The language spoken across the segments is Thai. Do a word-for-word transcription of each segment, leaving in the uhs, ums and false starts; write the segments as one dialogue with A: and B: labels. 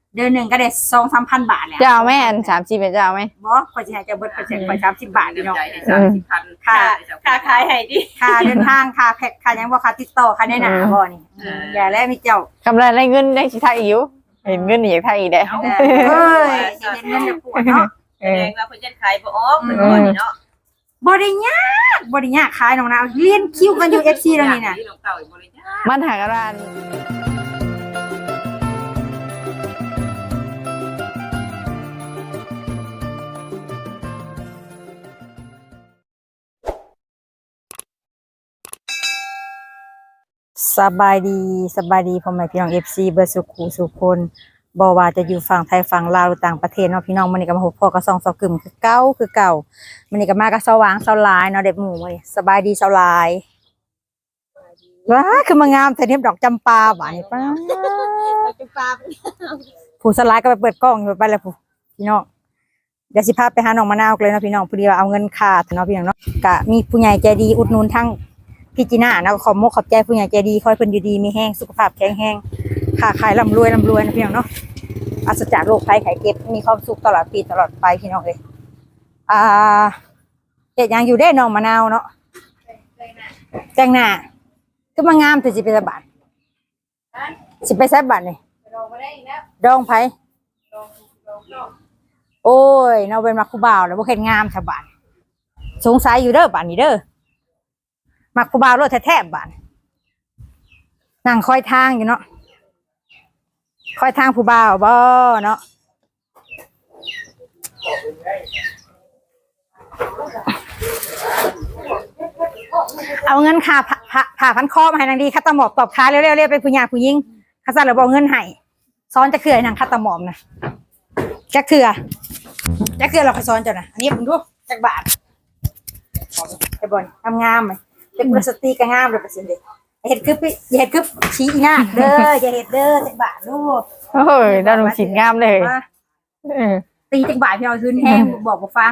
A: เดือนหนึ่งก็ได้สองสามพันบาทแล้ว
B: เจ้าแม่อันสามสิบเป็นเจ้าไหม
A: บ่คอยจะให้เจ้าเบิดคอยจะคอยสามสิบบาทพี่น้อง
C: สามสิบพันค่าค่าขายให้ดิ
A: ค่าเดินทางค่าแพ็คค่ายังบ่ค่าติดต่อค่าแนะนำบ่นี่อย่าแล้วมีเจ้าก
B: ำไรได้เงินได้สิทักอีกอยู่เห็นเงินนี่อยากทักอีกได้
A: เอ้ยสิเห็นเงินจะปวดเนาะ
C: แสดงว่าเพิ่นจะขายบ่ออกเพิ่นบ่นี่เนาะ
A: บ่ได้ยากบ่ได้ยากขายน้องนาวเรียนคิวกันอยู่ เอฟ ซี แล้วนี่น่ะ
B: มันหากร้าน
A: สบายดีสบายดีพ่อแม่พี่น้อง เอฟ ซี เบิดสุขุสุคนบ่ว่าจะอยู่ฝั่งไทยฝั่งลาวหรือต่างประเทศเนาะพี่น้องมื้อนี้ก็มาพบพ่อกับสองสาวกึ่มคือเก่าคือเก่ามื้อนี้ก็มากับสว่างสลายเนาะเด็กหมู่มื้อนี้สบายดีสลายว้าคือมางามแต่เทปดอกจำปาหวานนี่ป้าจำปาผู้สลายก็ไปเปิดกล้องอยู่ไปแล้วผู้พี่น้องเดี๋ยวสิพาไปหาน้องมะนาวเลยเนาะพี่น้องพอดีว่าเอาเงินค่าเนาะพี่น้องเนาะก็มีผู้ใหญ่ใจดีอุดหนุนทั้งพี่จีน่านะขอมกขอบใจผู้ใหญ่ใจดีคอยเพิ่นอยู่ดีมีแห้งสุขภาพแข็งแรงค้าขายร่ำรวยร่ำรวยนะพี่น้องเนาะอัศจรรย์โรคภัยไข้เจ็บมีความสุขตลอดปีตลอดไปพี่น้องเลยอ่าเฮ็ดหยังอยู่ได้น้องมะนาวเนาะแต่งหน้าคือมางามแต่สิไปสบาทสิไปแซ่บบัดนี่ดองไผโอ้ยเนาะเป็นมักคู่บ่าวแล้วบ่เฮ็ดงามซะบาดสงสัยอยู่เด้อบัดนี้เด้อมักคู่บ่าวรถแท้ๆบาดนั่งคอยทางอยู่เนาะคอยทางผู้บ่าวบ่เนาะเอาเงินค่าผ่าพันคอมาให้นางดีคัตตาหมอบตอบค้าเร็วๆเรียกเป็นผู้หญิงผู้หญิงข้าสั่งแล้วบอกเงินให้ซ้อนจะเขื่อนนางคัตตาหมอบนะจักเถื่อจักเถื่อเราไปซ้อนเจ้านะอันนี้ผมดูจักบาทไอ้บอลทำงามไหมเป็นพลาสติกงามเลยเปอร์เซ็นต์เด็กเห็ดคืออย่าเห็ดคือชี้อีน่าเด้ออย่าเห็ดเด้อจักบาทลูก
B: โอ้ยด้านลงสินงามเลย
A: ตีจักบาทพี่เอาคืนแห้งบอกบอกฟัง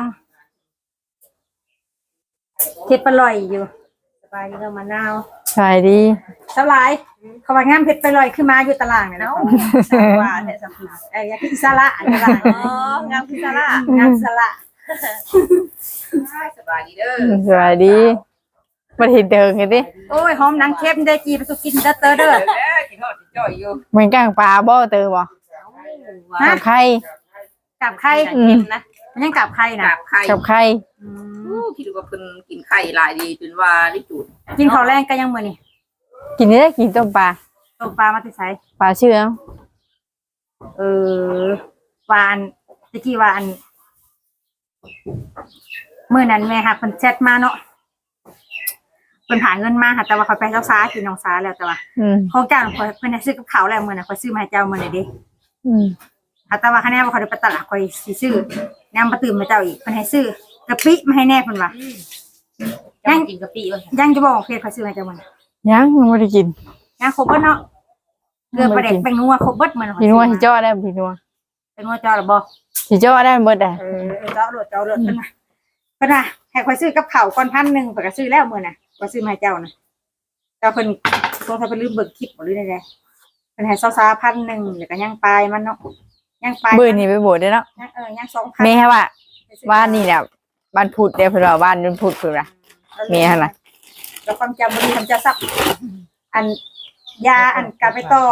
A: เห็ดปลอยอยู่สบายดีเรามะนาว
B: สบายดี
A: สลายเขาว่างามเผ็ดไปลอยขึ้นมาอยู่ตารางเนี่ยเนาะว่าเนี่ยสัมผัสเอ้ยอยากกินซาละอันตรางอ๋องามกินซาละงามซาละ
C: สบายดีเด้อ
B: สบายดีมาเห็นเดินกันดิ
A: โอ้ยหอมนังเค็มได้จีไปสุกินเด้อเตอเด้อ
C: กินทอดจ่อยอยู่
B: เหมือนกลางปลาบ่เตอบ่กับไข่
A: กับไข่นะมันยังกับไข่นะ
B: กับไข่
C: คิดว่าเพิ่นกินไข่หลายดีจนว่าได้จุด
A: กินข้าวแรงก็ยังมื้อนี่
B: กินได้กินต้มปลา
A: ต้มปลามาติไส
B: ปลาเชื่อ
A: เออวานตะกี้ว่าอันมื้อนั้นแม่ค่ะเพิ่นแชทมาเนาะเพิ่นหาเงินมาค่ะแต่ว่าเขาไปเจ้าซ้ากินน้องซ้าแล้วแต่ว่าของเจ้าเพิ่นได้ซื้อกับข้าวแล้วมื้อน่ะเขาซื้อมาให้เจ้ามื้อนี้เด้อืมแต่ว่าคะแนนว่าเขาได้ไปตลาดคอยสิซื้อนำมาตื่มมาเจ้าอีกเพิ่นให้ซื้อกะปิมาให้แน่เพิ่นว่า
C: ยังกินกะปิบ่
A: ยังจะบอกเพจเขาซื้อให้เจ้ามื้อ
B: ยังไม่ได้กิน
A: ยังครบเบิดเนาะเกลือปลาแดกแป้งนัวครบเบิดมื้อ
B: พี่นัวสิจ่อได้พี่นัว
A: เป็นนัวจ่อหรือบ่
B: สิจ่อได้หมดอ่ะ
A: เออจ่อโลดจ่อโลดเพิ่นว่าเพิ่นว่าให้คอยซื้อกับข้าวก่อนพันหนึ่งเพิ่นก็ซื้อแล้วมื้อน่ะก็ซื้อมาให้เจ้านะเจ้าเพิ่นโทรศัพท์เพิ่นลืมเบิกคลิปบ่หรือได๋เพิ่นให้ซอๆ พันหนึ่งแล้วก็ยังปลายมันเนาะยังปลาย
B: มื้อนี้ไปโบสถ์ได้เนาะ
A: ยังเออยัง สองพัน
B: แม่ว่าบ้านนี่แหละบ้านพุทธเด้อเพิ่นว่าบ้านนู้นพุทธเพิ่นว่าแม่หั่นน่ะ
A: แล้วความจำบ่ดีทำจะซับอันยาอันกลับไปต่อ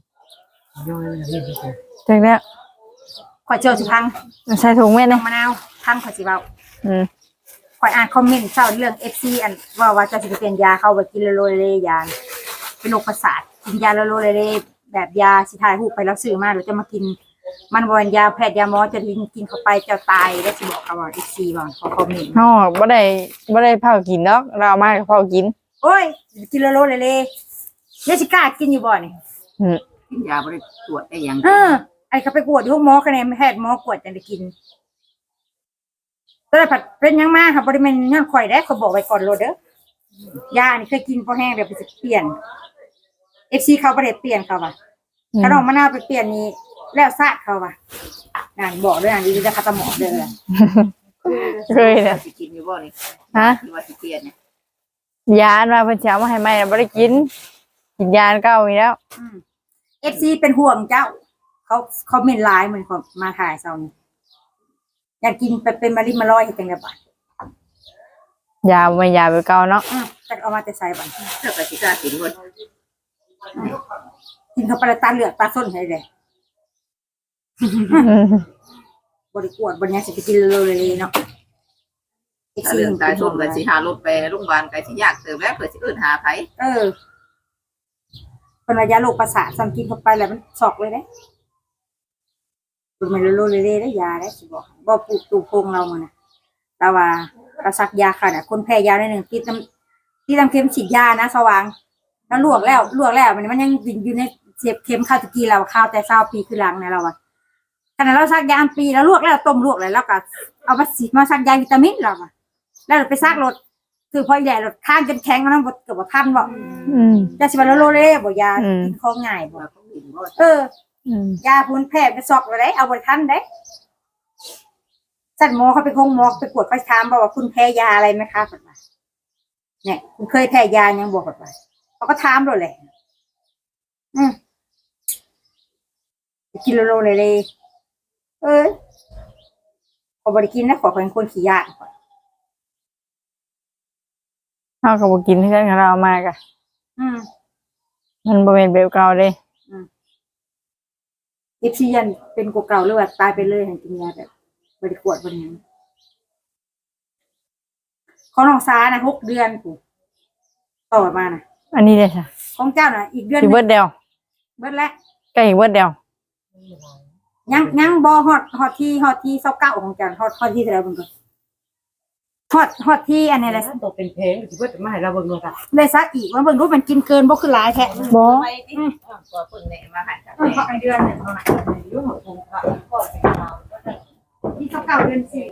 B: ถึงแล้ว
A: ขอเจอสิพัง
B: ใส่ถุงแม่นะ
A: มะนาวพังขอสิเว้า
B: อืม
A: ขอยอ่านคอมเมนต์เช้าเรื่อง เอฟ ซี อันว่าว่าจะสิไปเปลี่ยนยาเข้าไปกินโลเลยาเป็นโรคประสาทกินยาโลเลแบบยาสิถ่ายรูปไปแล้วซื้อมาแล้วจะมากินมันบ่เป็นยาแพทย์ยาหมอจะกินกินเข้าไปจะตายแล้วสิบอกเขาว่า เอฟ ซี บ่เขาคอมเมนต์
B: อ๋อบ่ได้บ่ได้เผากินดอกเรามาเผากิน
A: โอ้ยกินโลเลเลเดี๋ยวสิกล้ากินอยู่บ่นี่
B: อือ
C: กินยาบ่ได้ตรวจได้หยัง
A: เออไอ้เขาไปกวดอยู่หมอคะแนนแพทย์หมอกวดจังได้กินก็ได้ผัดเป็นยังมาค่ะบ่ได้แม่นย้อนข่อยได้เขาบอกไว้ก่อนโลดเด้อยานี่เคยกินพอแห้งเดี๋ยวไปสิเปลี่ยน เอฟ ซี เขาบ่ได้เปลี่ยนเขาว่าถ้าน้องมะนาวไปเปลี่ยนนี่แล้วซาดเขาว่านั่นบอกด้วยอันนี้จะคัตหมอเด้อ
B: เคยน่ะ
C: สิกินอยู่บ่นี่
B: ฮะ
C: ว่าสิเปลี่ยนเนี่ย
B: ยามาเพิ่นสิเอามาให้ใหม่บ่ได้กินกินยาเก่าอีกแล้ว
A: อืม เอฟ ซี เป็นห่วงเจ้าเขาเขาเมนไลน์เหมือนคนมาถ่ายเซานี่อยากกินไปเป็นมาริมาลอยเห็ดจังไดบัด
B: ยาไม่ยาไปเก่าเนาะ
A: อือจะเอามาแต่ใส่บัด
C: เจ้าก็สิกล้ากินบ่
A: กินเข้าไปแล้วตาเหลือกตาส้นให้เลย
B: อืม
A: บริกวดบริยังสิไปกินเลยเนาะ
C: ถ้าเรื่องตายส้มก็สิหารถไปโรงพยาบาลก็สิยากเติบแล้วเพื่อสิเอิ้นหาไผ
A: เออเป็นระยะโรคประสาทซ้ำกินเข้าไปแล้วมันสอกเลยนะมันโลเลเล่ได้ยาได้สิบอกบ่ปลูกตูโพงเรามันนะแต่ว่าเราซักยาค่ะน่ะคนแพ้ยาได้หนึ่งที่น้ำที่น้ำเค็มฉีดยานะสว่างแล้วลวกแล้วลวกแล้วมันมันยังอยู่ในเจ็บเค็มข้าวตะกี้เราข้าวแต่เศร้าปีคือหลังนะเราอะขณะเราซักยาปีแล้วลวกแล้วต้มลวกเลยแล้วก็เอามาสีมาซักยาวิตามินเราอะแล้วเราไปซักรถคือพอใหญ่รถข้างจนแข็งแล้วน้ำเกือบทันบอก
B: อืม
A: ยาสิบาโลเล่บ่ยา
B: อืม
A: กินของง่ายบ่
C: ว่าเขากินบ่
A: เออ
B: อืม
A: ยาพูนแพ้ไปสอกเลยเอาบริทันได้สัตว์หมอเขาไปคงหมอไปกวดไปถามบอกว่าคุณแพ้ยาอะไรไหมคะแบบเนี่ยคุณเคยแพ้ยายังบอกแบบเขาก็ถามเลยแหละอืมกินโลเลยเลยเออขอบริกินนะขอเป็นคนขี้ยา
B: เฮาก็บ่กินเพื่อนของเรามากะ
A: อืม
B: มันบ่แม่นแบบเก่าเด้
A: เอฟซียันเป็นกว่าเก่าหรือว่าตายไปเลยหันกินยาแบบบริกวดบริยังของน้องซานะหกเดือนกูต่อมานะ
B: อันนี้เด้ค่ะ
A: ของเจ้าน่ะอีกเดือนห
B: สิ
A: นึ่ง
B: เบิดเดียว
A: เบิดแล้ว
B: ใกล้อีกเบิดเดียว
A: ยังยังบอฮอดฮอดที่ฮอดที่เศร้าเก้าของเจ้าฮอดฮอดที่เท่าไหร่เบิ่งก่อนฮอดฮอดที่อันนี้แหละ
D: ตัวเป็นเพลงสิเพิ่นมาให้เราเบิ่งเลยค่ะ
A: เลยซักอีกว่าเบิ่งรู้มันกินเกินบ่คือหลายแท้
B: บ่
C: ไปติตัวเพิ่นแหน่มาให้จัก
A: เออฮอดในเดือนหนึงเท่านั้น
D: อยู่ของผมค่ะก็เป็นข่าว
A: ที่เศร้าเก้าเดือนสี่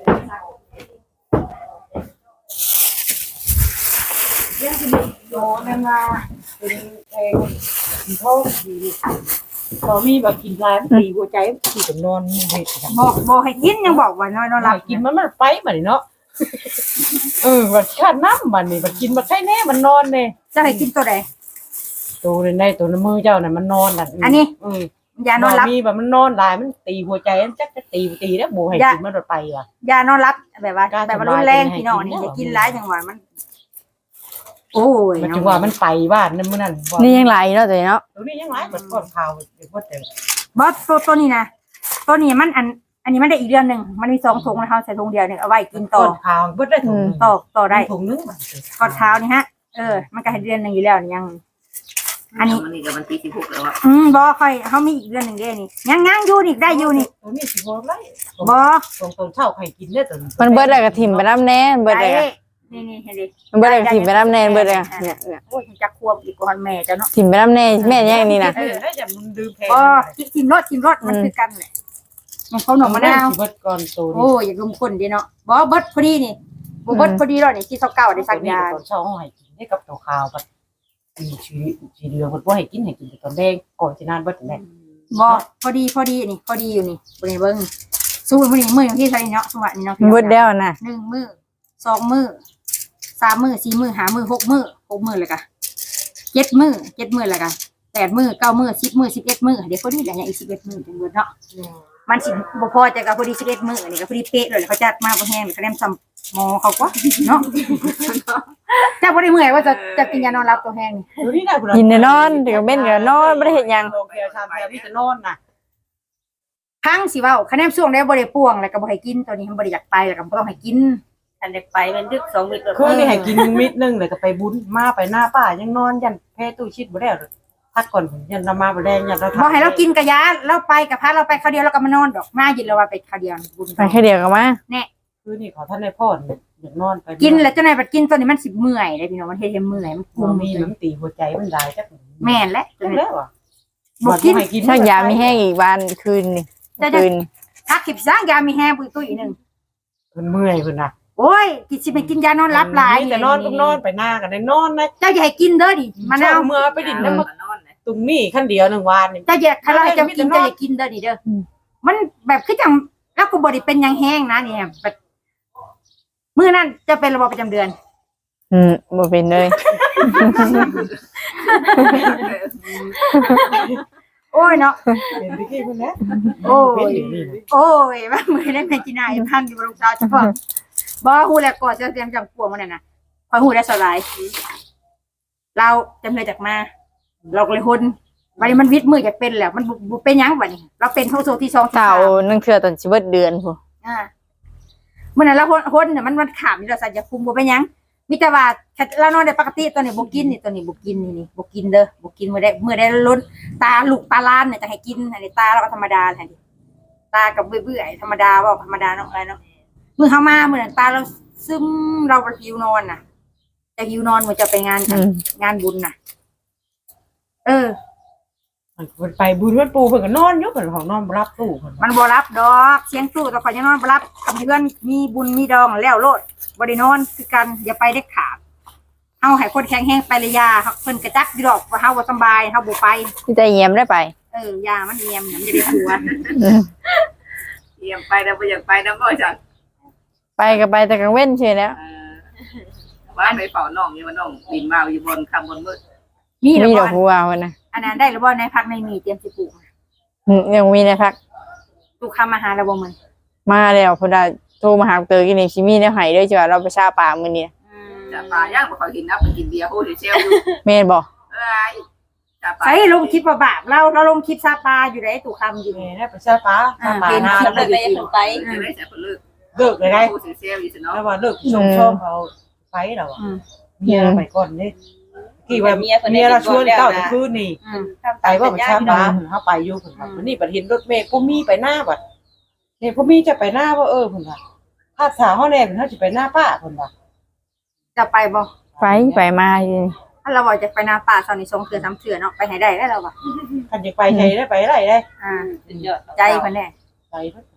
A: เรื่องที่โยนมา
D: เป็นเพลงกินโทษดีพอมีแบบกินลายมันตีหัวใจที่จะนอนเฮ็ดจัง
A: บอกบอกให้กินยังบอกว่าน้อยนอนห
D: ห
A: ลั
D: ลั
A: บบ
D: กินมันมันไปบัดนี้เนาะเออบัดขาดน้ำบัดนี้บัดกินบัดไข้แน่มันนอนแน่
A: จะให้กินตัวใด
D: ตัวในตัวในมือเจ้าน่ะมันนอนน่ะ
A: อันนี้
D: อือ
A: ยานอนหลับ
D: มีแบบมันนอนลายมันตีหัวใจมันจักจะตีตีแล้วบ่ให้กินมันไปว่ะ
A: ยานอนหลับแบบว่า
D: การ
A: แบบว่ารุนแรง
D: สบาย
A: พี่น้อง
D: ให้กิน
A: นี่
D: เนอะ
A: อย่ากินหลายจังหวะมัน โอ้ย
D: มันจังว่ามันไปบ้านนั่นมื้อนั้นบ่
B: นี่ยังหลายอยู่เนาะตัวนี้เนาะ
D: ตัวนี้ยังหลายบัดก่อนข่าวเดี๋ยวบ่แต่
A: บอสตัวตัวนี้นะตัวนี้มันอัน อันนี้มันได้อีกเดือนหนึ่งมันมีสองถุงนะคะใส่ถุงเดียวเนี่ยเอาไว้กินต่
D: ก่
A: อ
D: อนข่าวเบิดได้ถุงหนึ่ง
A: ต่อต่อได้
D: ถุงนึงบัด
A: กอดเท้านี่ฮะ เออ มันก็ให้เดือนหนึ่งอยู่แล้วนี่ยัง อันนี้
C: มันนี่ก็วันที่สิบหกแล้วอ่ะ
A: อืมบอค่อยเขามีอีกเดือนหนึ่งเด้นี่ยังยังอยู่นี่ได้อยู่นี่
D: ตัวนี้สิบ่ไร
A: บอ
D: ตรงตรงเช่าใครกินได้ตัว
B: มันเบิดแล้วก็ถิ่มไปน้ำแน่เบิดแล้วก็
A: นี่นี่เห็นดิ
B: มันเบิดแล้วก็ถิ่มไปน้ำแน่เบิดแล้วก็เนี่ยเนี่ย
A: โอ้ยจะควบอีกกว่าแม่เจ้าเนาะ
B: ถิ่มไปน้ำแน่แม่ยังนี่นะ
D: เออได้จากมันดื่มแพง
A: บอกินทิมรสทิมรสมันคือกันแหละมันเขาหนมมะนาว
D: เบิดก่อนตัวนี้
A: โอ้ยอย่าลงคนดีเนาะบอเบิดพอดีนี่บ่เบิดพอดีแล้วนี่ที่เศร้าเก่าได้สักยา
D: ตอนเช่าห้องให้กินได้กับตัวขาวกับมีชีชีเดือมันว่าให้กินให้กินตอนแดงก่อนจะนานเบิดแน่
A: บอพอดีพอดีนี่พอดีอยู่นี่บริเบิ้งสู้พอดีมืออย่างที่ใส่เนาะสวัสดีเนาะ
B: เบิดแล้วนะ
A: หนึ่งมือสองมือสามมือสี่มือห้ามือหกมือหกมือเลยกะเจ็ดมือเจ็ดมือเลยกะแปดมือเก้ามือสิบมือสิบเอ็ดมือเดี๋ยวพอดีอย่างอีกสิบเอ็ดมือจังเบิดเนาะมันสิบ่พอจะกับพอดีสิบเอ็ดมือนี่ก็พอดีเป๊ะเลยเขาจัดมาพอแห้งเขาแนมซ้ำหมอเขากว่าเนาะเจ้าพอดีเมื่อยว่าจะจะกินยานอนรับตัวแห้งนี่
D: ตัวนี้ได้
B: กินแต่นอนเดี๋ยวเบ้นก็นอนบ่ได้เฮ็ดหยัง
D: โรงพยาบาลแพรมีแต่นอนน่ะ
A: ทั้งสิเว้าคะแนนช่วงได้บ่ได้ป่วงแล้วก็บ่ให้กินตัวนี้มันบ่ได้อยากไปแล้วก็บ่ต้องให้กิน
C: อันเด็กไปมันดึกสองมิตร
D: คือนี่ให้กินมิดนึงเลยก็ไปบุญมาไปหน้าป้ายังนอนยันแพ้ตู้ชิดบ่ได้พักก่อนยันนมาบ่ได้ยันเรา
A: บ่ให้เรากินกะยาเราไปกับพาเราไปคราวเดียวเราก็มานอนดอกมายินแล้วว่าไปคราวเดียวบุญ
B: ไปแค่เดียวก็มา
D: คือนี่ขอท่านในพ่ออยากนอนไป
A: กินแล้วเจ้านายบัดกินตัวนี้มันสิเมื่อยเลยพี่น้องมันเฮ็ดให้เมื่อยมัน
D: มั
A: คุ
D: น
A: ม
D: มีน้ำตีหัวใจมันได้จัก
A: แม่นและ
D: จังแล้วอ่ะ
A: บ่กิน
B: ถ้ายามีแห้งอีกวันคืนนี่คืน
A: ถ้าขิบสร้างยามีแฮปุยตุ้ยนึง
D: เพิ่นเมื่อยเพิ่นน่ะ
A: โอ้ยกินสิไปกินยานอนหลับหลาย
D: แต่นอนก็นอนไปหน้ากันได้นอนนะ
A: เจ้าอย่าให้กินเด้อดิมะนาว
D: เมื่อไปดินน้ำ
C: มันนอนนะ
D: ตรงนี้ขั้นเดียวหนึ่งวันนี่
A: เจ้าอย่าถ้าเราให้เจ้ากินเจ้าอย่ากินเด้อดิเด้อมันแบบคือจังแล้วก็บ่ได้เป็นหยังแห้งนะเนี่ยแบบมื้อนั้นจะเป็นระบบประจำเดือน
B: อืมบ่เป็นเลย
A: โอ้ยเนาะ
D: เห็นที่คนนี้
A: โอ้
D: เห็น
A: ย
D: อยู่นี่นะ
A: โอ้ยว่ามือได้แม่กินายพันอยู่บนรองเท้าเฉพาะบ่ฮู้แล้วก่อนจะเตรียมจังปัวมันน่ะนะพอฮู้ได้สลายเราจำเลยจากมา เราก็เลยหุ่นวันนี้มันวิทย์มือจากเป็นแล้วมันบ่บ่เป็นหยังบัดนี้ เราเป็นโทโซที่สองที่
B: เก่า
A: สาม
B: นั่งเทื่อตอนสิเบิดเดือนพุ่น
A: อ่าเมื่อนั้นเราหุ่นหุ่นเนี่ยมันมันขามนี่เราใส่ยาคุมบ่เป็นหยังมีแต่ว่าแค่เรานอนได้ปกติตัวนี้บ่กินนี่ตัวนี้บ่กินนี่นี่บ่กินเด้อบ่กินมื้อได้มื้อได้ล้นตาลูกตาล้านเนี่ยจะให้กินอันนี้ตาเราก็ธรรมดาแหละนี่ตากับเบื่อๆธรรมดาเว้าธรรมดาเนาะอะไรเนาะมื้อเฮามามื้อนั้นตาเราซึมเราบ่หิวนอนน่ะจะหิวนอนมื้อจะไปงาน
B: อืม
A: งานบุญน่ะ เออ
D: มันไปบุญมันปูเพิ่นก็นอนอยู่เพิ่นของนอนบ่รับตู้เพิ่น
A: มันบ่รับดอกเสียงสู้แต่ข่อยยังนอนบ่รับคำเพื่อนมีบุญมีดองแล้วโลดบ่ได้นอนคือกันอย่าไปเด็ดขาดเฮาให้คนแข็งแรงไปเลยยาเพิ่นกระจักอยู่ดอกว่าเฮาบ่สำบายเฮาบ่ไป
B: ที่ใจเยี่ยมได้ไป
A: เออยามันเอียมเนี่ยมันจะได้ผัว
B: อืม
C: เยี่ยมไปแล้วบ่อยากไปนำบ่จัง
B: ไปก็ไปแต่กลางเว้นเฉยแล้ว
C: เออว่าไปเฝ้าน้องนี่ว่าน้องบินมาอยู่บนคำบนมืด
A: มีแล้ว
B: มีด
A: บ่
B: อกบัวพุ่นน่ะ
A: อันนั้นได้แล้วบ่ในพักในมีเตรียมสิปลูก
B: อืมยังมีในพัก
A: ลูกค้ามาหาแล้วบ่มื้อ
B: มาแล้วพุ่นน่ะโทรมาหาเตอกินนี่สิมีแนวให้เด้อจ้ะเราไปชาป่ามื้อนี้
C: จะปลาย่างบ่ค่อยกินนะไปกินเบียร์โหเซลอยู่
B: แม่นบ่
C: เอ้ยจะปลา
A: ใส่ลงคลิปว่าบาปเราเราลงคลิปซาปลาอยู่ได้ตู่คำอยู่
D: แม่
A: นี่
D: ได้ไปซาปาซาปานา
A: เห็นคลิป
D: แล้ว
A: เลยไปถึงไป
C: จะได้แต่เพิ่นเลิก
D: เลิกเลยได้
C: โหเซลอยู่ซะเนาะ
D: แล้วว่าเลิกชมชมเขาไปแล้วอ่ะ
A: อืม
D: เมียไปก่อนนี่กี่ว่าเมียเราชวนเก้าตะคืนนี่
A: อืม
D: ไปว่าไปชาปาเฮาไปอยู่เพิ่นว่าวันนี้บัดเห็นรถเมล์พ่อมีไปหน้าบัดนี่พ่อมีจะไปหน้าว่าเออเพิ่นว่าถ้าถาเฮาแน่เพิ่นเฮาสิไปหน้าป้าเพิ่นว่า
A: จะไปบ่
B: ไปไปมาอยู่นี่
A: ถ้าเราบอกจะไปนาป่าตอนนี้สองเถื่อสามเถื่อเนาะไปไหนได้แล้วเราบ่
D: คันจะไปไสได้ไปไรได้
A: อ่าใจเพิ่นแน่
D: ไปเพิ่น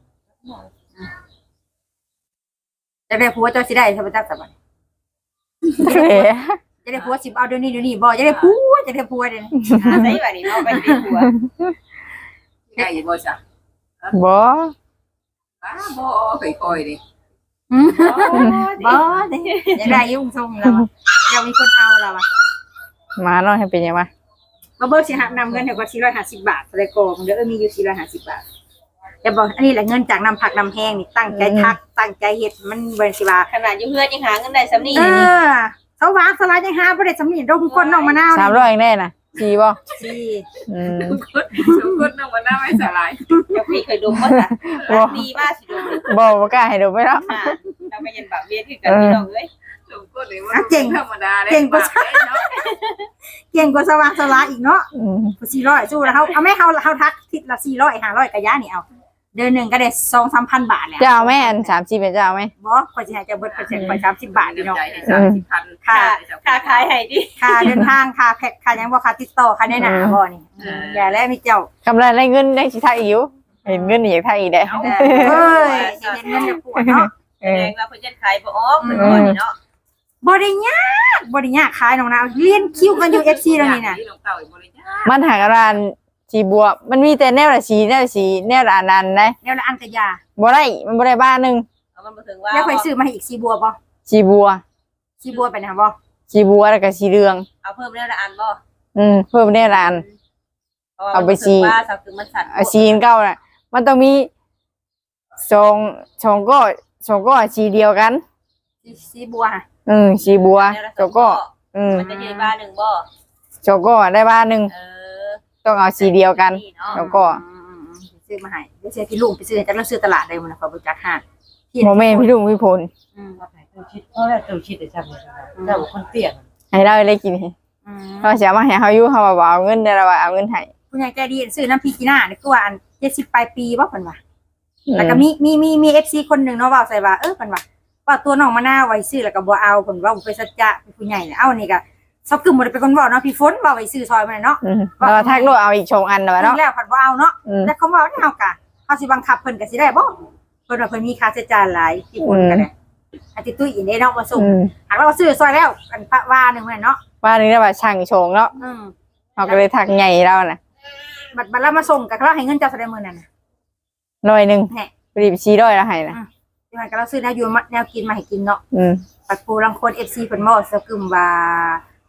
A: จะได้ผัวเจ้าสิได้ใช่บ่จักสบาย
B: เอ้ย
A: จะได้ผัวสิเอาเดี๋ยวนี้เดี๋ยวนี้บ่จะได้ผัวจะได้ผัวเดี๋ยวนี้
E: ใส่แบบนี้เอาไปเป็นหัว
C: ได้อยู่บ่จ้ะ
B: บ่
C: ป้าบ่ค่อยๆดิ
A: อืมบ่เด้ยังได้ยุ่งทรงเราอะยังมีคนเอาเราอ่ะ
B: มาเนาะให้เป็นยังวะ
A: บ่เบิกสิหักนำเงินให้กว่าสี่ร้อยห้าสิบบาทเลยกองเดี๋ยวเออมีอยู่สี่ร้อยห้าสิบบาทจะบอกอันนี้แหละเงินจากนำผักนำแห้งนี่ตั้งใจทักตั้งใจเฮ็ดมันเบิ่นสิว่า
E: ขนาดอยู่เพื่อนยังหาเงินได้สำนี
A: เอ
E: นี่
A: อเขาวางสลายยังหาบ่ได้สำนีดมคนน้องมะนาว
B: สามร้อยเองได้น่ะสี่บ่
A: สิ
B: อืม
C: ทุกคนทุกคนต้องมาหน้าไม่สลาย
E: เดี๋ยวพี่เคยดมว่าจ้ะดีมากสิดม
B: บ่บ่กล้าให้ดูไปแล้ว
E: อ่าเราไม่ยันแบบเวียนคือกันพี่น้องเอ้ย
C: ทุกคนเลยว่าธรรมดาเลยเนาะ
A: เก่งกว่าสว่างสลายอีกเนาะ
B: อืม
A: สี่ร้อยสู้แล้วเฮาเอาแม่เฮาเฮาทักทิศละสี่ร้อยห้าร้อยกะยานี่เอาเดือนหนึงก็ได้ สองถึงสามพัน บาทแล้ว
B: เจ้าแม่อันสามสิบเป็นเจ้าไหม
A: บ่ข่อยสิให้เจ้าเบิดเปอร์เซ็นต์ข่อยสามสิบบาทพี่น้อง
C: ใจให้สามสิบพัน
A: ค่า
E: ค่าขายให้ดิ
A: ค่าเดินทางค่าแพ็คค่าหยังบ่ค่าติดต่อค่าแนะนำบ่นี่อย่าแล้วมีเจ้าก
B: ำไรได้เงินได้สิทักอีกอยู่เห็นเงินนี่อยากทักอีกได้
A: เอ้ยสิเห็นเงินจะปวดเนาะ
B: เอ
E: แส
B: อ
E: ดงว่าเพิ่นยันขายบ่ออกเพิ่นก่อนนี่เนาะ
A: บ่ได้ยากบ่ได้ยากขายน้องนาวเรียนคิวกันอยู่ เอฟ ซี แล้วนี่น่ะ
C: น้องเต่าอีกบริจาค
B: มันหากร้านสีบัว มันมีแต่แนวละสีแนวละสีแนวละอันนั้นได้
A: แล้วละอันกะยา
B: บ่ได้มันบ่ได้บ้านหนึง
E: เอามันบ่ถึงว่า
A: แล้วข่อยซื้อมาให้อีกสีบัวบ่
B: สีบัว
A: สีบัวไปนะบ่
B: สีบัวแล้วก็สีเหลือง
E: เอาเพิ่มแล้วละอันบ่
B: อืมเพิ่มแนวละอัน เอาไปสิ
E: ว่าสักคือมันสั่น
B: เอาสีอันเก่าน่ะ มันต้องมีสองสองก็สองก็สีเดียวกัน
A: สีสีบัวค่ะ
B: อืมสีบัวสองก็อืม
E: มันจะใหญ่บ้านหนึงบ่
B: สองก็ได้บ้านหนึง
E: เออ
B: ต้องเอาสีเดียวกัน
E: นี่เนาะ
B: แล้วก็
A: อืมๆๆซื้อมาให้เดี๋ยวเสียพี่ลุงไปซื้อจากเราซื้อตลาดได้มื้อนะข่อยบ่จักหาด
B: โมเมนต์พี่ลุงพี่พล
A: อืม
D: ตัวชิดเพราะว่าตัวชิดได้จำได้เจ้าคนเตี้ย
B: ให้เราได้กิน
A: อืม
B: เราจะมาให้เขาอยู่เขาบอกเอาเงินเดี๋ยวเราเอาเงินให้
A: ผู้ใหญ่ใจดีซื้อน้ำพริกกีน่านี่คือว่าอันเจ็ดสิบปลายปีบ่เพิ่นว่าแล้วก็มีมีมีมี เอฟ ซี คนหนึงเนาะเว้าใส่ว่าเออเพิ่นว่าว่าตัวน้องมะนาวไว้ซื้อแล้วก็บ่เอาเพิ่นว่าบ่ไปสัจจะเป็นผู้ใหญ่เนี่ยเอานี่ก็ซอกกึมบ่ได้เป็นคนเว้าเนาะพี่ฝนเว้าไว้ซื้อซอยมันเนาะ
B: อืมเราทักโลดเอาอีกชงอันเลยเนาะ
A: แล้วเพิ่นบ่เอาเนาะ
B: อืม
A: แต่เขาเว้าเนี่ยเฮากะเฮาสิบังคับเพิ่นก็สิได้บ่เพิ่นว่าเพิ่นมีค่าใช้จ่ายหลายที่ฝนก็ได้อาทิตย์ตุ้ยอีนเด้เนาะมาส่ง
B: อืม
A: หากเราซื้อซอยแล้วอันปะว่าหนึงแม่นเนาะ
B: ว่านึงได้ว่าช่างชงเนาะ
A: อืม
B: เขาก็เลยทักใหญ่เราน่ะ
A: บัดบัดเรามาส่งก็เราให้เงินเจ้าเท่าใดมื้อนั้นน่ะ
B: ร้อยหนึ่ง
A: แหน่
B: ไปรีบชี้ร้อยแล้วให้นะ
A: ที่มันก็เราซื้อแนวอยู่มาแนวกินมาให้กินเนาะ
B: อืม
A: ปัดปูลังคน เอฟ ซี เพิ่นบ่ซะกึมว่า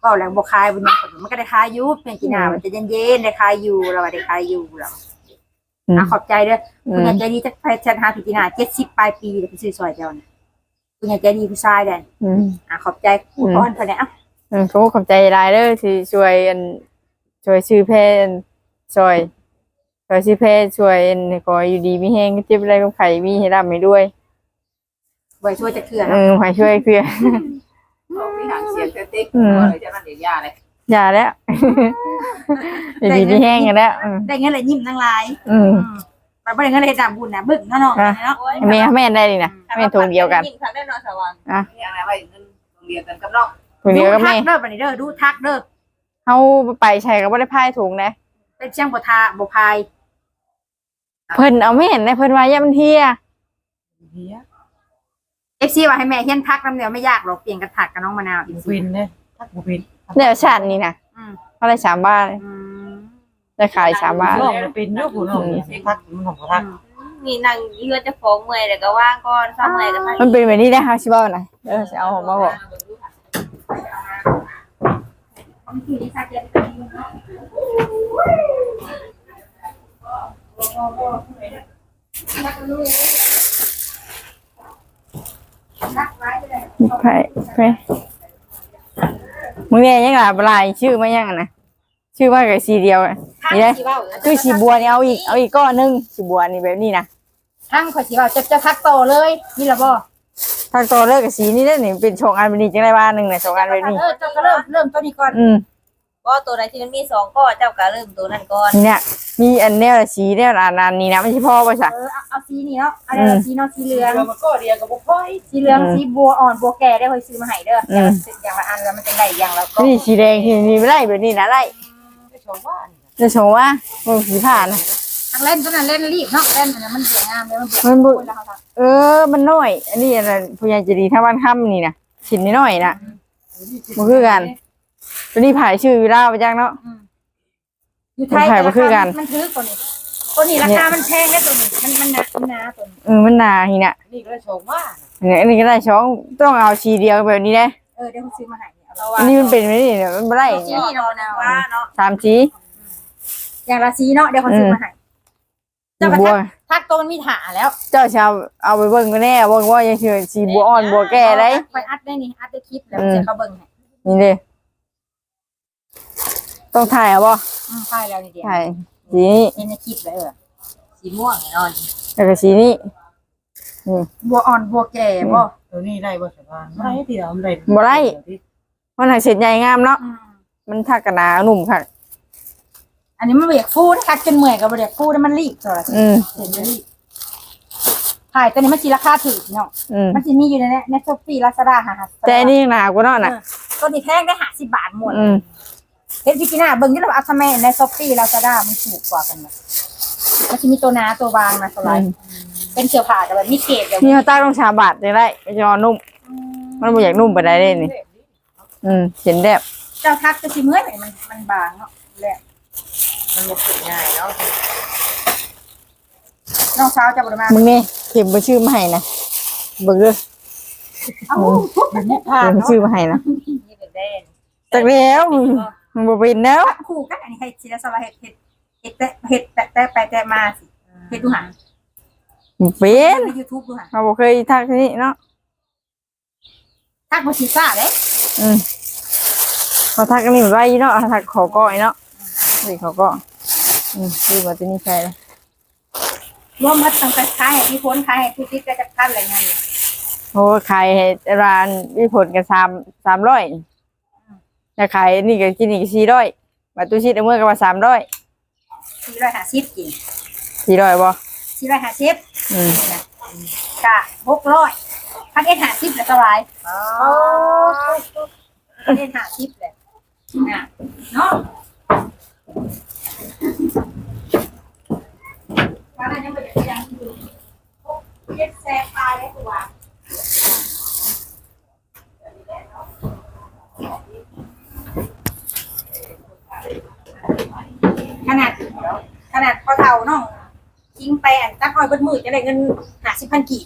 A: เว้าแล้วบ่คายบ่หยังมันก็ได้คายอยู่เพียงจีน่ามันจะเย็นๆได้คายอยู่เราว่าได้คายอยู่เราอ่ะขอบใจเด้อคุณยายใจดีจักไปชันหาพี่จีน่าเจ็ดสิบปลายปีเดี๋ยวไปซื้อซอยเจ้าน่ะคุณยายใจดีผู้ชายเด้อ
B: อืม
A: อ่ะขอบใจผู้พรเพิ่นน่ะ
B: อืมเขาขอบใจหลายเด้อที่ช่วยอันช่วยชื่อเพนช่วยช่วยชื่อเพนช่วยอันก็อยู่ดีมีแฮงเจ็บอะไรกับไข่มีให้รับให้ด้วย
A: ไว้ช่วยจักเทื่อ
B: เอ
A: เนาะ
B: อให้ช่วยเพื่อ
C: เอาไปหางเสียงเต๊ก
B: อืม
C: ๆเลยจะมันเดี๋ยวยาเลย
B: อย่าแล้ว อยู่ดีมีแฮงกันแล้วอืม
A: ได้เงินเลยยิ้มทั้งหลาย
B: อืม
A: ไปบ่ได้เงินเลยดำบุญน่ะบึ้งเนาะเนาะเนาะ
B: แม่แม่นได้นี่นะแม่ทงเดียวกัน
E: ยิ้มทางได้นอนสว่าง
C: อย่างไรว่าเงินโรงเรียนกันกับน้อง
B: ทงเดียวกับ
A: ทั
B: แม่
A: กเด้อบัดนี้เด้อดูทักเด้อ
B: เฮาไปใช้ก็บ่ได้พายถุงนะ
A: เป็นเชียงบ่ทาบ่พาย
B: เพิ่นเอาไม่เห็นนะเพิ่นว่าอย่ามันเที่ย
D: เฮีย
A: เอฟซีว่าให้แม่เฮียนทักนำเดียวไม่ยากหรอกเปลี่ยนกันทักกับน้องมะนาวอีก
D: บุ
A: สิ
D: พินเนี่ยทักบุพิน
B: เดี๋ยวชาตินี้นะ
A: อืม
B: เท่าไหร่สามบาทเลย
A: อืม
B: ได้ขายสามบาท
D: น้องเป็นเยอะผู้น้องทักมันของทัก
E: นี่นั่งเฮือนจะฟ้องเมื่อยแล้วก็ว่างก่อนซ้ำเมื่อยก็ทัก
B: มันเป็นแบบนี้ได้ค่ะชิบะหน่อยเออจะเอาออกมาบอก ไปไปมึงเนี่ยยังไงลายชื่อไม่ยังนะชื่อว่ากับสีเดียวนี่เลยคือสีบัวนี่เอาอีกเอาอีกก้อนนึงสีบัวนี่แบบนี้นะ
A: ทั้งข่อยสิว่าจะจะทักโตเลยนี่ล่ะบ่
B: ถ้าโตเลิกกับสีนี้ได้นี่เป็นชงอันเป็นนี้จังไรบ้านหนึ่งเนี่ยชงอันแบบนี้
A: เออเจ้าก็เริ่มเริ่มตัวนี้ก่อน
B: อืม
E: ก็ตัวไหนที่มันมีสองก็เจ้าก็เริ่มตัวนั้นก่อน
B: เนี่ยมีอันแนวละสีแนวละอันนี้นะไม่ใช่พ่อป่ะจ๊ะ
A: เออเอาเอาสีนี้เนาะเอาเอาสีเนาะสีเหลือง
D: เรามาก็เดียวกับบุพ่อย
A: สีเหลืองสีบัวอ่อนบัวแก่ได้ค่อยซื้อมาให้เด้ออย่างละอย่างละอันแล้วมันจะได้อย่างละก็
B: นี่สีแดงที่มีไม่ไล่แบบนี้นะไล่
D: ไม่ชมว่า
B: จะชงว่ามันสีผ่านนะ
A: ทางเล่นตัวนั้นเล่นรีบเนาะเล่นมันมันเสียงามเลยมันเบียด
B: มันบุ
A: แล้วเขาท
B: เออมันน้อย อันนี้อะไรผู้ใหญ่จะดีถ้าบ้านค่ำนี่นะชิ้นน้อยๆนะมันคือกันตัวนี้ผ่ายชื่อวิลาไปจังเนาะ
A: ำอยู่ไทย
B: มันขายบ่คือกัน
A: มันถือตัวนี้ตัวนี้ราคามันแพงได้ตัวนี้มันมันหนามันหนาตัวนี้
B: เออมันหนาทีน่ะ
D: นี่ก็ชมว่า
B: เนี่ยอันนี้ก็ได้ช่องต้องเอาชีเดียวแบบนี้ได้
A: เออเดี๋ยวเขาซื้อมาให้เนี่ยเอา
E: เพราะ
A: ไว้
E: ว่า
B: อันนี้มันเป็นไม่ได้เนี่ยมันไม่ได้
E: ที่นี่เรานะว่าเนาะ
B: สามชี
A: อย่างละสีเนาะเดี๋ยวเขาซื้อมาให้
B: สี
A: เจ้ากระ
B: บัว
A: ทักทักตัวมันมีถาแล้ว
B: เจ้าชาวเอาไปเบิ่งก็แน่เบิ่งว่ายังเชื่อสีบัวอ่อนบัวแก่ได้
A: ไปอัดได้นี่อัดได้คลิปแล้ว
B: อืม
A: เจะเขาเบิ่งให้
B: นี่เลยต้องถ่ายเอาบ่
A: อืมใช่แล้วนี่เดียว
B: ถ่ายสีนี้
A: เห็นในคลิปเลยเออ
E: สีม่วงแน่นอน
B: แล้วก็สีนี้
A: บัวอ่อนบัวแก่บ่
D: ตัวนี้ได้บ่สบายไม่ที่เราได้
B: มันหักเสร็จใหญ่งามเนาะ
A: อืม
B: มันทักกันหนาหนุ่มค่ะ
A: อันนี้มันเบียกฟูดคักจนเมื่อยกับเบียกฟูดมันรีบตัวละ
B: อืม
A: เห็นมันรีบขายตัวนี้มันสีราคาถูกเนาะ
B: อืม
A: มันจะมีอยู่ในนี้ในช้อปปี้ลาซาด้าหา
B: แต่อันนี่หนากว่าเนาะน่ะ
A: ตัวนี้แพงได้หาสิบบาทหมด
B: อืม
A: เฮ็ดพี่กิน่าเบิ่งที่เราเอาทำไมในช้อปปี้ลาซาด้ามันถูกกว่ากันเนี่ยมันจะมีตัวหนาตัวบางนะสไลด์เป็นเสื้อผ้าแต่แบบมีเกรดแบบ
B: นี่เขาตั้งต้องชาบาดได้ไรไม่ยอนุ่ม มันบ่อยากนุ่มไปได้เลยนี่ อืมเห็นแบบ
A: เจ้าทักจะสิเมื่อยไหมมันมันบางเนาะแหละ
D: มันบ่ฝึกง่ายเนาะ
A: น้องสาวจะบ่ได้มา
B: มึงนี่เข็มไปชื่อมาให้นะเบิ่งเด้อ
A: เอ้าทุกแบบนี้
B: เข็มชื่อมาให้นะ
E: นี่เป็นเด่น
B: จากแล้วมันบ่เป็นแล้ว
A: คู่กันอันนี้ให้ศิลสลาเฮ็ดเฮ็ดเฮ็ดแต่เฮ็ดแต่แต่ไปแต่มาสิเฮ็ดดูหา
B: บ่เป็น
A: ใน YouTube ดูหา
B: เราบ่เคยทักที่นี่เนาะ
A: ทักบ่สิซ่าเด้
B: อืมเขาทักกันนี่ไว้เนาะทักขอก้อยเนาะนี่เขาก็อืมชื่อมาที่นี่ใช่แล้ว
A: รวมหมดตั้งแต่ขายให้พี่พ้นขายให้ผู้ติดก็จะทันอะไรเงี้ย
B: โอ้ขายให้ร้านมีผลกันสามสามร้อยจะขายนี่ก็กินอีกสี่ร้อยบัตรตู้ชิดเอาเมื่อก็ว่าสามร้อย
A: สี่ร้อยห้าสิบกิน
B: สี่ร้อยบ่
A: สี่ร้อยห้าสิบ
B: อืม
A: นี่นะกะหกร้อยพันเอ็ดห้าสิบแล้วสบายอ๋อพันเอ็ดห้าสิบเลยนะเนาะว่าอะไรยังไม่ได้ยังอยู่เย็ดแซ่บตายเลยตัวขนาดขนาดพอเท่าน้องทิ้งไปอันตั้งอ้อยเบิดมือจะได้เงินห้าสิบพันกีบ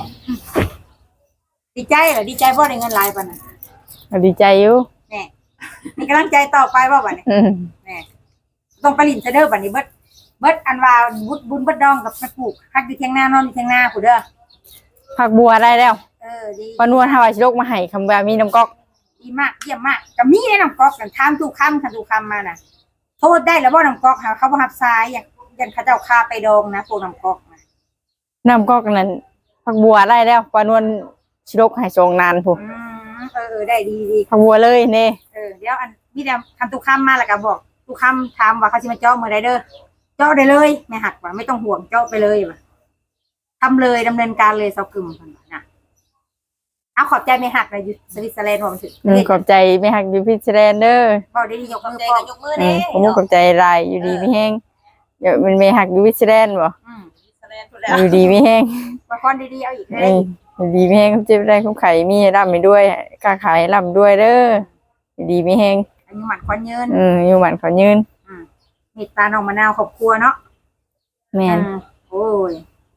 A: ดีใจเหรอดีใจเพราะได้เงินหลายปานนั้น
B: ก็ดีใจอยู่
A: แน่มีกำลังใจต่อไปบ่บัดนี้
B: อืม
A: แหน่ต้องไปลิ้นเด้อบัดนี้เบิดเบิดอันว่าบุญบุญเบิดดองกับไปปลูกพักอยู่เถียงนานอนอยู่เถียงนาผู้เด้อ
B: ผักบัวได้แล้ว
A: เออดี
B: ปานวลหาว่าสิลกมาให้คำว่ามีน้ำก๊อก
A: ดีมากเยี่ยมมากก็มีในน้ำก๊อกกันถามทุกคำคันทุกคำมาน่ะโทษได้แล้วบ่น้ำก๊อกหาเขาบ่รับสายอย่างอย่างเขาเจ้าคาไปดองนะพวกน้ำก๊อกนะ
B: น้ำก๊อกนั้นผักบัวได้แล้วปานวลสิลกให้ทรงนานพุ่น
A: อืมเออเออได้ดีดี
B: ผักบัวเลยเน่
A: เออเดี๋ยวอันมีแต่คันทุกคำมาแล้วก็บอกทุกคำถามว่าเขาสิมาเจาะมื้อใดเด้อเจาะได้เลยไม่หักว่าไม่ต้องห่วงเจาะไปเลยว่ะทำเลยดำเนินการเลยเซากึมเพิ่นว่านะเอาขอบใจไม่หักเลยอยู่สวิตเซอร์แลนด์ว่ามันถึง
B: อืมขอบใจแม่ฮักอยู่พิชแลนด์เด้อ
A: บ่ได้ยก
E: ขอบ
A: มือ
E: ใจ
A: พร้อ
E: กั
A: ม
E: นยกมือ
B: อื
E: เด้
B: มผมก็ขอบใจหลายอยู่ดีมีแฮงเดี๋ยวมันแม่ฮักอยู่พิชแลนด์บ่
A: อืม
E: แสดงทุกแล้ว
B: อยู่ดีมีแฮง
A: ละครดีๆเอาอีก
B: เอ
A: ได้
B: ออยู่ดีมีแฮงเจ็บได้คุ้มไข่มีให้ร่ำไปด้วยค้าขายร่ำด้วยเด้ออยู่ดีมีแฮง
A: อันนี้หมันควันยืน
B: อืมอยู่หมันขอยืน
A: เมตตาน้องมะนาวครอบครัวเนาะ
B: แม่น
A: อืมโอ้ย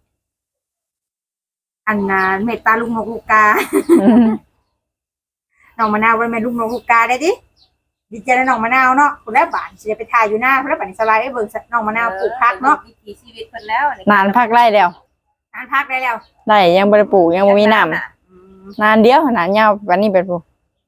A: อันน่ะเมตตาลุงนกลูกกา
B: อืม
A: น้องมะนาวบ่ได้แม่นลุงนกลูกกาได้ดิดีใจนะน้องมะนาวเนาะคนละบาทสิได้ไปถ่ายอยู่หน้าคนละบาทนี่สไลด์ให้เบิ่งน้องมะนาวปลูกผักเนาะ
E: วิถีชีวิตเพิ่นแล้ว
B: นานพักไร่แล้ว
A: ทานผักได้แล้ว
B: ได้ยังบ่ได้ปลูกยังบ่มีน้ำ
A: อืม
B: นานเดียวขนาดยาววันนี้เป็นผู้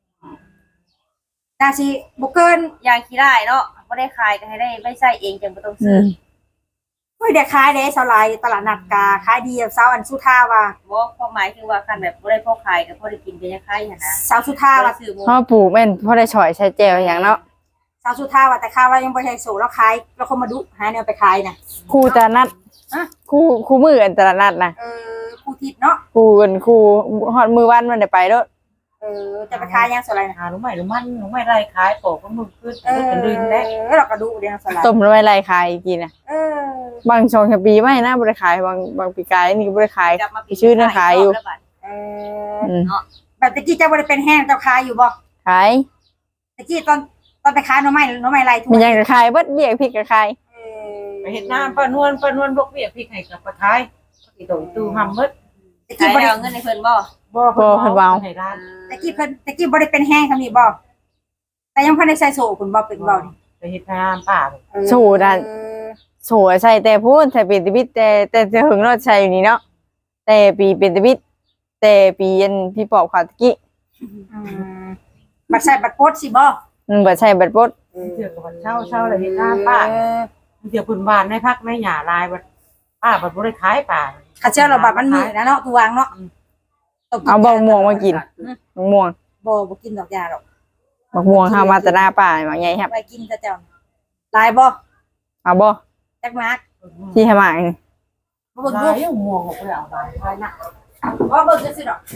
A: น่าสิบ่เกิน
E: ยางขี้ได้เนาะบ่ได้ขายก็ให้ได้ไม่ใส่เองจังบ่ต้อง
B: อื
E: ซื้อ
B: ม
A: เฮ้ยเดี๋ยวขายเด้สไลด์ตลาดนัดกาขายดีเสาร์อันสุธาว่า
E: บ่ความหมายคือว่าคันแบบบ่ได้พอขายก็พอได้กินเป็นยังไงหั่นนะ
A: เสาร์สุธา
E: บ่ได้
A: ว่า
E: ซื้อหมู
B: เฮาปลูกแม่นพอได้ฉอยใช้แจวอย่างเนาะ
A: เสาร์สุธาว่าแต่ข้าวว่ายังบ่ได้โซแล้วขายแล้วคนมาดุหาแนวไปขายน่ะ
B: ครูตลาดนัด
A: ฮะ
B: ครูครูมืออันตลาดนัดนะ
A: เออครูทิพย์เนาะ
B: ครูกันครูฮอดมือวันมันได้ไปเด้อ
A: เออจะไปขายยังสไลด์น่ะ
D: หาหนูใหม่หนูมันหนูใหม่ไรขายโตก็มึงขึ้น
A: เออ
D: เป็นดินแล้ว
A: เราก็ดุเดี๋ยวสไลด์
B: ต้มแล้วไว้ไล่ขายกินน่ะ
A: เออ
B: บางช่วงปีไม่นะบ่ได้ขายบางบางปีกายนี่ก็บ่ได้ขาย
E: กลับมาปี
B: ชื่อเนี่ยขายอยู่
E: แล้วบัด
A: เออ
B: อืม
A: แบบตะกี้เจ้าบ่ได้เป็นแห้งเจ้าขายอยู่บ่
B: ขาย
A: ตะกี้ตอนตอนไปขายหน่อไม้หน่อไม้ไรทุก
B: มีหยังก็ขายเบิดเบี้ยพริกก็ขาย
A: เออ
D: ไปเห็นน้ำป้านวลป้านวลบกเบียพริกให้กับปลาขายอีโตตู้หำเบิด
A: ตะ
E: ขา
A: กี้
E: ย
A: บ่ได้
E: เอาเงินให้เพิ่นบ่
D: บ่เพิ่นเว้าให้ร้าน
A: ตะกี้เพิ่นตะกี้บ่ได้เป็นแห้งทำนี่บ่แต่ยังเพิ่นได้ใส่โซ่คุณบ่เป็นบ่นี่
D: ไปเฮ็ดงานป้า
A: เออ
B: โซ่นั่น โสใช่แต่พูดแต่เป็นตะบิดแต่แต่จะหึงรถใช่อยู่นี่เนาะแต่ปีเป็นตะบิดแต่ปีอันพี่ปอบขาวตะกี้
A: อืมบัดใส่บัดโพดสิบ่
B: มันบ่ใช่บัดปด
D: เถื่อกับเช่าเช่าเลยเฮ็ดงานป้า
A: เออ
D: เดี๋ยวคุณบ้านในพักในหญ้าลายบัดป้าบัดบ่ได้ขายป้า
A: ข้าเจ้าเราบัดมันมีนะเนาะตัววางเนาะ
B: เอาบักม่วงมากินบักม่วง
A: บ่บ่กินดอกยาหรอก
B: บักม่วงเฮามาแตหน้าป่าบางใหญ่ครับ
A: ไปกินซะเจ้าลายบ่
B: เอาบ่
A: จักนัก
B: ที่ให้มานี่
A: บ่เบิ่ง
D: ลา
A: ดู
D: ยยังม่วงออกไปเอาลาย
A: ลายนะบ่เบิ่งจังซี่ดอก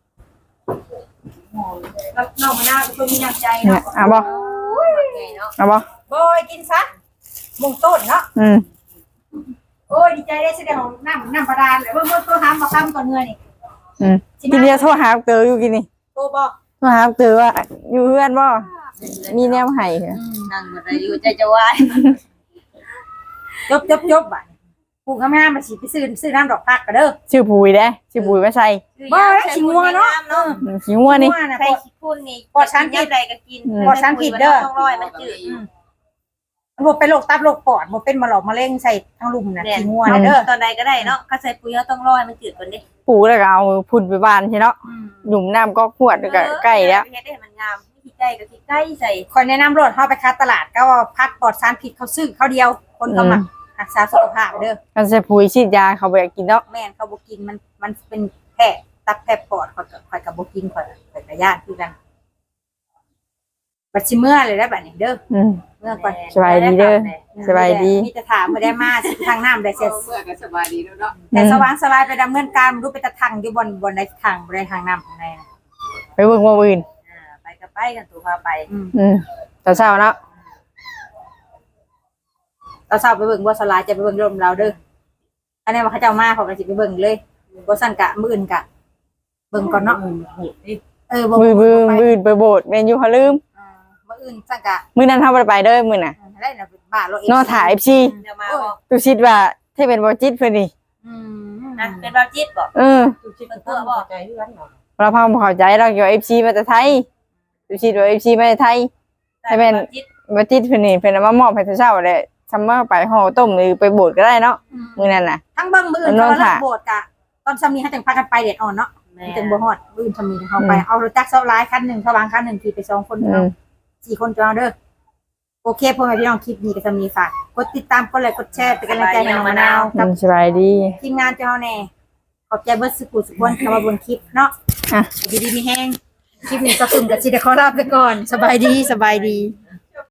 A: แล้วน้องมะนาวเป็นคนมีน้ำใจ
B: เนี่ย
A: เนาะ
B: เอาบ่
E: ไงเนาะ
B: เอาบ่
A: บ่ยกินซะมุงต้นเนาะ
B: อืม
A: โอ้ยดีใจได้สิได้ของน้ำน้ำบาดาลเบิ่งเบิ่งตัวหามบ่คำก่อนเงื่อนี่
B: อืมกินเดียวโทรหาเตออยู่กินนี่
A: โตบ่
B: โทรหาเตอว่าอยู่เฮือนบ่มีแนวให้เหรอ
E: นั่งบ่ได้อยู่ใจจะวาย
A: จบจบจบบ่ปลูกงามๆมาสิไปซื้อซื้อน้ำดอกพักก็เด้อ
B: ชื่อปุ๋ยเด้ชื่อปุ๋ยมาใส่
A: บ่ได้ชิงัวเนาะ
B: อืมขี้งัวนี่
A: งัวน่ะ
E: ใส่
A: บ่
E: ขี้พุ่นนี่
A: ปลอดสารพิษ
E: ยามใดก็กิน
B: อืม
A: ปลอดสารพิษเด้อ
E: ต้องร้อยมันจืด
A: มันบ่เป็นโรคตับโรคปอดบ่เป็นมะหลอกมะเร็งใส่ทั้งลุมน่ะ
E: แน่น
A: สิงัวน่ะเด้อ
E: ตอนใดก็ได้เนาะก็ใส่ปุ๋ยเฮาต้องร้อยมันจืดก่อนดิ
B: ปลูกแล้วก็เอาพุ่นไปบ้านใช่เนาะ
A: อืม
B: หนุ่มน้ำก็ขวดแล้วก็ใกล้แล้ว
E: เฮ็ดให้มันงามวิธีใกล้ก็สิใกล้ใส่
A: คอยแนะนำรถเฮาไปค้าตลาดก็ว่าพักปลอดสารพิษเขาซื้อเขาเดียว คนเขามักรักษาสุขภาพเด้อ
B: กันใส่ปุ๋ยฉีดยาเขาบ่อยากกินเนาะ
A: แม่นเขาบ่กินมันมันเป็นแพ้ตับแพ้ปอดข่อยก็ข่อยก็บ่กินข่อยข่อยก็ย่านคือกันบัดสิเมื่อเลยได้บัดนี้เด้อ
B: อืม
A: เมื่อก่อน
B: สบายดีเด้อ สบายดี
A: มีแต่ถามบ่ได้มาสิทางน้ำได้เสร็จ
C: เมื่อก็สบายดีแล้วเนาะ
A: แต่สว่างสลายไปดำเนินการบ่รู้ไปตะทางอยู่บนบนใดทางบ่ได้ทางน้ำของในน่ะ
B: ไปเบิ่งว่าอื่น
E: อ่าไปก็ไปกันตัวพาไป
A: อืม
B: อืมตอนเช้าเนาะ
A: เราทราบไปเบิ่งบ่สลายจะไปเบิ่งลมเราเด้ออันนี้ว่าเขาเจ้ามาเขาก็สิไปเบิ่งเลยบ่ซั่นกะมื้ออื่นกะเบิ่งก่อนเนาะ
D: โหดดิ
A: เออบ่
B: มือบือ
A: ไป
B: มืออื่นไปโบสถ์แม่นอยู่เขาลืม
A: อ่ามื้ออื่นซั่นกะ
B: มื้อนั้นเฮาบ่ได้ไปเด้อมื้อน่ะ
A: ได้น่ะเป็นบ้าโลเอ
B: เนอถ่าย เอฟ ซี
E: เดี๋ยวมาบอก
B: ตูคิดว่าถ้าเป็นบ่จิตเพิ่นนี่
A: อืม
E: นะเป็นแบบจิตบอก
B: เออ
D: ตู้ชิดก็ต้องเข้าใจเรื่องเนาะ
B: เราพังบ่เข้าใจเราเกี่ยว เอฟ ซี มาแต่ไทยตูคิดว่า เอฟ ซี มาแต่ไทยให้เป็นบ่จิตเพิ่นนี่เพิ่นเอามามอบให้แต่เช้าแหละซัมเมอร์ไปห่อต้มหรือไปโบสถ์ก็ได้เนาะมื้อนั้นน่ะ
A: ทั้งเบิ่งมืออื่น
B: น้
A: เขา
B: อง
A: เลิ
B: ค่ะ
A: กโบสถ์กะตอนสามีให้จังพากันไปเด็ดอ่อนเนาะ
E: แม่
A: จังบ่ฮอดมืออื่นสามีเขาไปเอารถจักรเซาร้ายคันหนึ่งเขาวางคันหนึ่งขี่ไปสองคน
B: อื
A: เนาะ
B: ม
A: สี่คนจะเอาเด้อโอเคพ่อแม่พี่น้องคลิปนี้ก็จะมีฝากกดติดตามกดไลค์กดแชร์เป็นกำลังใจให้น้องมะนาว
B: อื
A: กับ
B: มสบายดี
A: ทีมงานเจ้าแน่ขอบใจเบิร์ดสุขุสุขวนเข้ามาบนคลิปเนาะ
B: อ่ะ
A: ดีดีมีแห้งคลิปนี้ก็สุ่มกับสิเดขอลาไปก่อน สบายดีสบายดี